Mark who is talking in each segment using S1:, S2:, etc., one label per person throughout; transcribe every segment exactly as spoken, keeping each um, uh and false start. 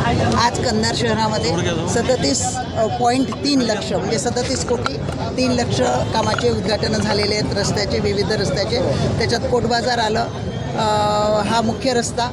S1: आज कंधार शहरामध्ये सदतीस पॉईंट तीन लक्ष म्हणजे सदतीस कोटी तीन लक्ष कामाचे उद्घाटन झालेले आहेत, रस्त्याचे, विविध रस्त्याचे. त्याच्यात कोट बाजार आलं, अ, हा मुख्य रस्ता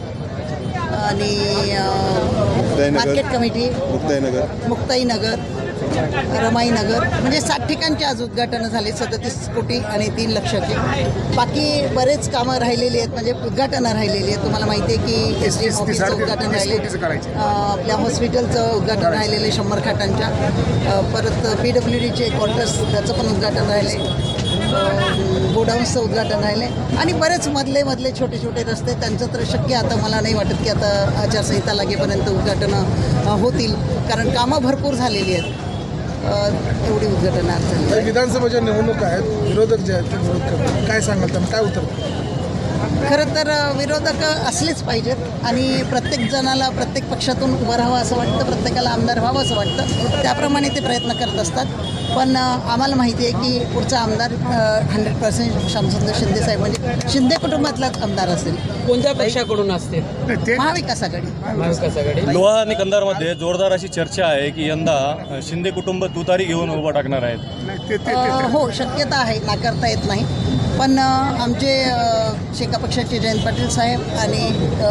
S1: आणि मार्केट कमिटी,
S2: मुक्ताईनगर
S1: मुक्ताईनगर, रमाईनगर, म्हणजे सात ठिकाणचे आज उद्घाटनं झाले सदतीस कोटी आणि तीन लक्षाचे. बाकी बरेच कामं राहिलेली आहेत, म्हणजे उद्घाटनं राहिलेली आहेत. तुम्हाला माहिती आहे की एस डी एम ऑफिसचं उद्घाटन राहिले, आपल्या हॉस्पिटलचं उद्घाटन राहिलेलं शंभर खाटांच्या, परत पी डब्ल्यू डीचे क्वार्टर्स त्याचं पण उद्घाटन राहिले, गोडाऊन्सचं उद्घाटन राहिले आणि बरेच मधले मधले छोटे छोटे रस्ते. त्यांचं तर शक्य आता मला नाही वाटत की आता आचारसंहिता लागेपर्यंत उद्घाटनं होतील, कारण कामं भरपूर झालेली आहेत. एवढी उद्घाटनं आज झाली.
S3: विधानसभेच्या निवडणुका आहेत, विरोधक जे आहेत ते विरोध करतात, काय सांगाल त्यांना, काय उत्तर?
S1: खरं तर विरोधक असलेच पाहिजेत आणि प्रत्येक जणाला प्रत्येक पक्षातून उभं राहावं असं वाटतं, प्रत्येकाला आमदार व्हावं असं वाटतं, त्याप्रमाणे ते प्रयत्न करत असतात. पण आम्हाला माहिती आहे की पुढचा आमदार हंड्रेड पर्सेंट श्यामसुंदर शिंदे साहेब म्हणजे शिंदे कुटुंबातलाच आमदार असेल.
S4: कोणत्या पक्षाकडून असते?
S1: महाविकास आघाडी.
S4: महाविकास आघाडी.
S5: लोहा आणि कंधारमध्ये जोरदार अशी चर्चा आहे की यंदा शिंदे कुटुंब तुतारी घेऊन उभं टाकणार आहेत.
S1: हो, शक्यता आहे, नाकारता येत नाही. पण आमचे शेका पक्षाचे जयंत पाटील साहेब आणि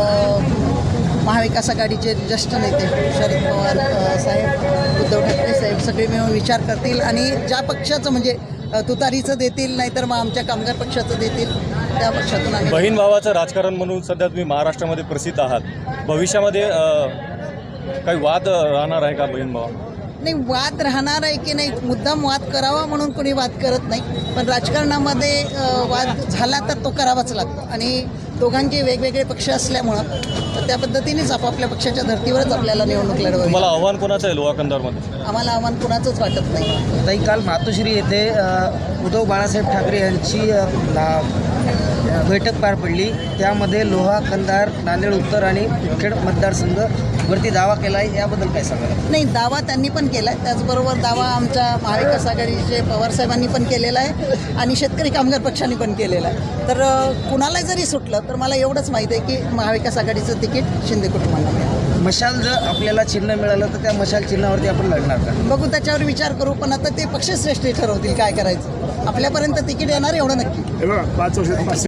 S1: महाविकास आघाडीचे ज्येष्ठ नेते शरद पवार साहेब, उद्धव ठाकरे साहेब सगळे मिळून विचार करतील आणि ज्या पक्षाचं म्हणजे तुतारीचं देतील, नाहीतर मग आमच्या कामगार पक्षाचं देतील, त्या पक्षातून आम्ही.
S5: बहीण भावाचं राजकारण म्हणून सध्या तुम्ही महाराष्ट्रामध्ये प्रसिद्ध आहात. भविष्यामध्ये काही वाद राहणार आहे का बहीण भावा?
S1: नाही, वाद राहणार आहे की नाही, मुद्दाम वाद करावा म्हणून कोणी वाद करत नाही, पण राजकारणामध्ये वाद झाला तर तो करावाच लागतो आणि दोघांचे वेगवेगळे पक्ष असल्यामुळं तर त्या पद्धतीनेच आपापल्या पक्षाच्या धर्तीवरच आपल्याला निवडणूक लढवावी.
S5: तुम्हाला आव्हान कोणाचं आहे लोहा कंधारमध्ये?
S1: आम्हाला आव्हान कुणाचंच वाटत नाही.
S4: ताई, काल मातोश्री येथे उद्धव बाळासाहेब ठाकरे यांची बैठक पार पडली, त्यामध्ये लोहा, कंधार, नांदेड उत्तर आणि खेड मतदारसंघ वरती दावा केला आहे, याबद्दल काय सांगाल?
S1: नाही, दावा त्यांनी पण केला आहे, त्याचबरोबर दावा आमच्या महाविकास आघाडीचे पवारसाहेबांनी पण केलेला आहे आणि शेतकरी कामगार पक्षांनी पण केलेला आहे. तर कुणाला जरी सुटलं तर मला एवढंच माहीत आहे की महाविकास आघाडीचं तिकीट शिंदे कुटुंबाला मिळालं.
S4: मशाल जर आपल्याला चिन्ह मिळालं तर त्या मशाल चिन्हावरती आपण लढणार का?
S1: बघू, त्याच्यावर विचार करू, पण आता ते पक्षश्रेष्ठी ठरवतील काय करायचं. आपल्यापर्यंत तिकीट येणार एवढं नक्की.
S3: पाच वर्ष